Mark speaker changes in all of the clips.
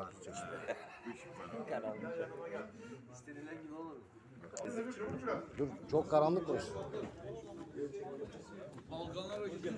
Speaker 1: karpuz çeşidi.
Speaker 2: İstenilen gibi olur.
Speaker 1: Dur çok karanlık burası.
Speaker 2: Balkanlara gidiyor.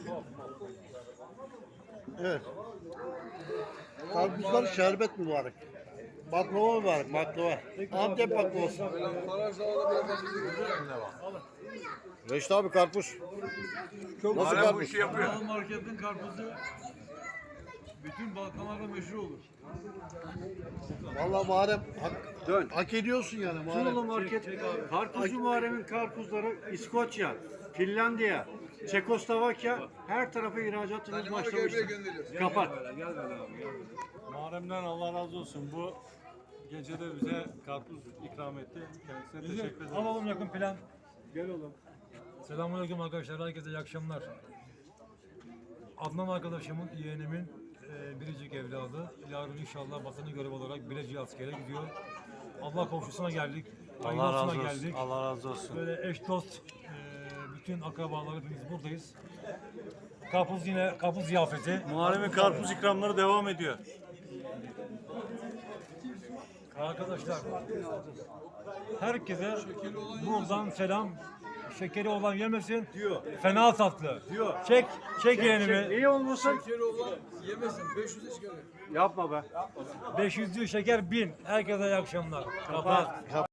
Speaker 3: Evet. Karpuzlar şerbet mübarek. Baklava mübarek, baklava. Antep baklavası.
Speaker 2: Baraj havada bir karpuz gidiyor.
Speaker 1: Reşit abi karpuz. Nasıl
Speaker 4: Hala bu
Speaker 1: karpuz?
Speaker 4: işi yapıyor.
Speaker 5: Balkan marketin karpuzu bütün Balkanlarda meşhur olur.
Speaker 3: Vallahi Muharrem hak ediyorsun yani
Speaker 6: Tunalı
Speaker 3: Muharrem.
Speaker 6: Market, Karpuzcu Muharrem'in karpuzları İskoçya, Finlandiya, Çekoslovakya her tarafa ihracatımız
Speaker 2: Danimarka'ya bile
Speaker 6: başlamıştır.
Speaker 2: gönderiyoruz.
Speaker 6: Kapat.
Speaker 5: Muharrem'den Allah razı olsun. Bu gecede bize karpuz ikram etti. Kendisine teşekkür ederim. Alalım yakın plan. Gel oğlum. Selamünaleyküm arkadaşlar. Herkese iyi akşamlar. Adnan arkadaşımın, yeğenimin biricik evladı. Yarın inşallah vatanı görev olarak Bilecik askere gidiyor. Allah komşusuna geldik. Allah razı olsun. Geldik. Allah razı olsun. Böyle eş dost, bütün akrabalar hepimiz buradayız. Karpuz ziyafeti.
Speaker 7: Muharrem'in karpuz ikramları devam ediyor.
Speaker 5: Arkadaşlar, herkese buradan selam. Şekeri olan yemesin. Diyor. Fena tatlı. Diyor. Çek yeğenimi.
Speaker 6: İyi olmasın?
Speaker 2: Şekeri olan yemesin. 500'e çıkarıyor.
Speaker 6: Yapma be.
Speaker 5: 500'lü şeker 1000. Herkese iyi akşamlar. Kapat.